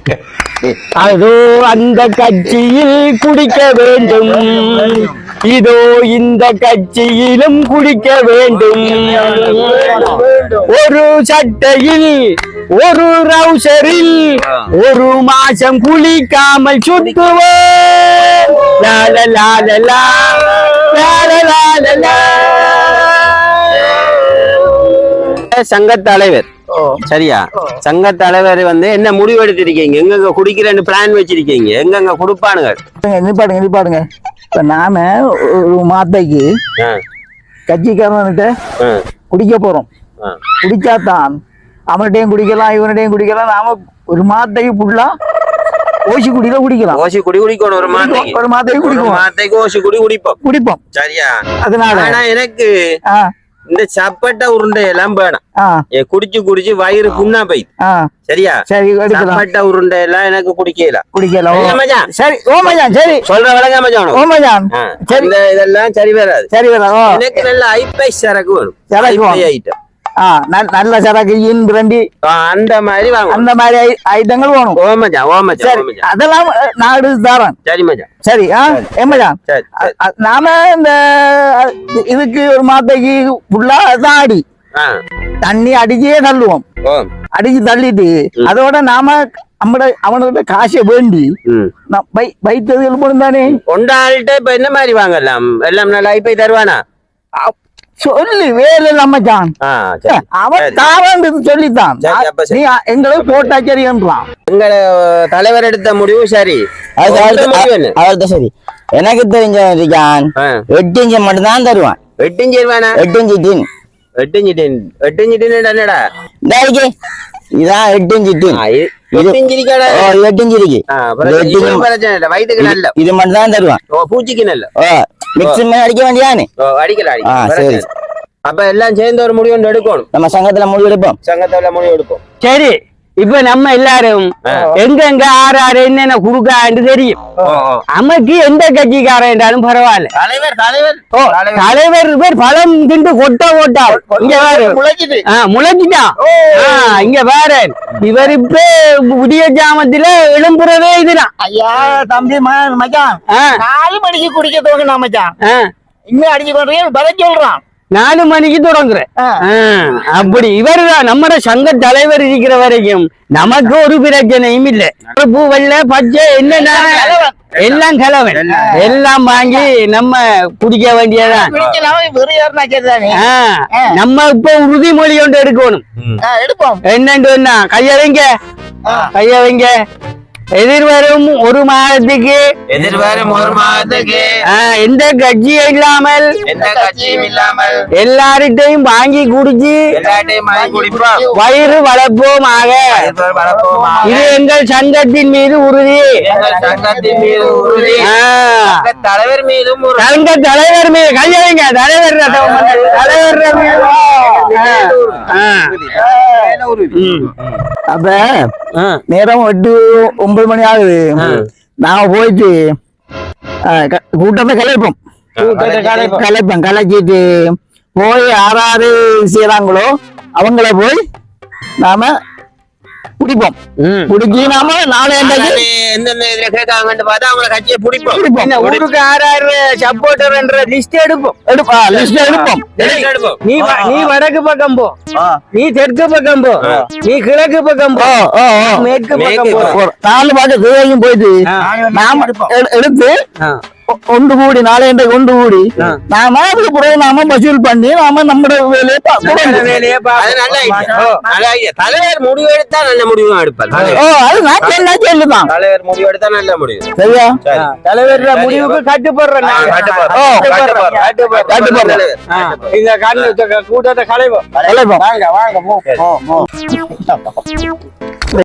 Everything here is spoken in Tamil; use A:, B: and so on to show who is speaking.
A: அதோ அந்த கட்சியில் குடிக்க வேண்டும், இதோ இந்த கட்சியிலும் குடிக்க வேண்டும். ஒரு சட்டையில் ஒரு ரவுசரில் ஒரு மாசம் குளிக்காமல் சுத்துவேன். சங்க தலைவர் சரியா? சங்க தலைவர் என்ன முடிவெடுத்திருக்கீங்க? எங்க குடிக்கிறேன்னு பிளான் வச்சிருக்கீங்க? எங்க குடுப்பானுங்க?
B: நிப்பாடுங்க. இப்ப நாம ஒரு மாத்தைக்கு கட்சிக்காரன்கிட்ட குடிக்க போறோம். குடிச்சாதான் அவன்கிட்டையும் குடிக்கலாம், இவன்கிட்டையும் குடிக்கலாம். நாம ஒரு மாத்தைக்கு ஃபுல்லா ஓசி குடியில குடிக்கலாம்.
A: ஓசி குடி குடிக்கணும். ஒரு
B: மாத்தைக்கு குடிக்கும்.
A: மாத்தைக்கு ஓசி குடிப்போம் சரியா?
B: அதனால
A: எனக்கு இந்த சப்பட்ட உருண்டை எல்லாம் வேணாம். குடிச்சு வயிறு புண்ணா போயிட்டு சரியா? சரி, சப்பட்ட உருண்டை எல்லாம் எனக்கு குடிக்கலாம்.
B: சரி ஓ மச்சான், சரி
A: சொல்ற விளங்க மச்சான்.
B: ஓ மச்சான், சரி
A: இதெல்லாம் சரி வராது. எனக்கு நல்ல ஐப்பைஸ் சரக்கு வேணும். சரக்கு ஐட்டம்
B: நல்ல சரக்கு பிரண்டி
A: அந்த மாதிரி
B: அந்த மாதிரி ஐட்டங்கள் வேணும்.
A: ஓ மச்சான்,
B: அதெல்லாம் நான் எடுத்து தரேன்.
A: சரி மச்சான்.
B: சரி மச்சான், நாம இந்த இதுக்கு ஒரு மாத்தைக்கு ஃபுல்லா தான் அடி தண்ணி அடிச்சே தள்ளுவோம். அடிச்சு தள்ளிட்டு அதோட நாம அவனோட காசை வேண்டி வைத்தது தானே
A: கொண்டாள்கிட்ட இப்ப என்ன மாதிரி வாங்கலாம்? எல்லாம் நல்லா ஐப்பை தருவானா?
B: சொல்லி வேலை நம்மச்சான் அவன் தாரான்னு சொல்லித்தான் நீ எங்களை போட்டா சரின்றான்.
A: எங்களை தலைவர் எடுத்த முடிவு சரி.
C: அவர்தான் சரி. எனக்கு தெரிஞ்ச 8 இன்ச்சு மட்டும் தான் தருவான்.
A: 8 இன்ச்சு வேணா?
C: 8 inch tin.
A: 8 inch tin. 8 inch tin என்னடா?
C: இதான் 8 இன்ச்சு டின்.
A: 8 இன்ச்சு இருக்கடா?
C: 8 இன்ச்சு இருக்கு.
A: வயிற்றுக்கு நல்ல
C: இது மட்டும் தான் தருவான்.
A: பூச்சிக்கு நல்ல
C: மிக்ஸி அடிக்க வேண்டியானே?
A: அடிக்கலாம். அப்ப எல்லாம் சேர்ந்து ஒரு முடிவு எடுக்கணும்.
C: நம்ம சங்கத்துல முடிவு எடுப்போம்.
A: சரி, இப்ப நம்ம எல்லாரும் எங்க ஆறு என்னென்ன குடுக்கான்னு தெரியும். நமக்கு எந்த கட்சிக்காரன் என்றாலும் பரவாயில்ல. தலைவர் பேர் பழம் திண்டு கொட்டா இங்க வேறு முளைச்சிட்டான். இங்க வேற இவர் இப்ப புதிய ஜாமத்துல எழும்புறதே இதுதான்.
B: ஐயா தம்பி மச்சான், 4 மணிக்கு குடிக்க தோணுனா மச்சான், இங்க அடிச்சு பண்றீங்க பதில் சொல்றான்.
A: 4 மணிக்கு தொடங்குறேன். அப்படி இவருதான் நம்ம சங்க தலைவர் இருக்கிற வரைக்கும் நமக்கு ஒரு பிரச்சனையும் இல்லை. பூ வெள்ளை பச்சை என்ன எல்லாம் கலவன் எல்லாம் வாங்கி நம்ம குடிக்க வேண்டியதான். நம்ம இப்ப உறுதிமொழி ஒன்று எடுக்கணும். என்னன்னு கைய வைங்க. எதிர்வரும் ஒரு மாதத்துக்கு எந்த கட்சியும் இல்லாமல் எல்லார்ட்டையும் வாங்கி குடிச்சு வயிறு வளர்ப்போமாக. இது எங்கள் சங்கத்தின் மீது உறுதி. தலைவர் மீது கைய வைங்க. தலைவர்
B: அப்ப நேரம் 8-9 மணி ஆகுது. நாம போயிட்டு கூட்டத்தை கலைச்சிட்டு போய் யாராரு செய்யறாங்களோ அவங்கள போய் நாம குடிப்போம். குடிச்சு நாம நாளை ஊருக்கு ஆறாறு சப்போர்ட்டர் என்ற லிஸ்ட் எடுப்போம். நீ வடக்கு பக்கம் போ, நீ தெற்கு பக்கம் போ, நீ கிழக்கு பக்கம் போ, மேற்கு பக்கம் போ. 4 பாட்டு போயிட்டு நாம எடுத்து ஒன்று கூடி நாளை ஒன்று கூடி நாம அதுக்கு பிறகு நாம வசூல் பண்ணி நாம நம்மளோட வேலையை
A: தலைவர் முடிவு எடுத்தா நல்ல முடிவு எடுப்பார்.
B: அது நான் சொல்லுதான்.
A: தலைவர் முடிவு எடுத்தா நல்ல முடிவு.
B: சரியா?
A: தலைவர் முடிவுக்கு கட்டுப்படுறேன். இந்த கூட்டத்தை கலைவோம்.
B: வாங்க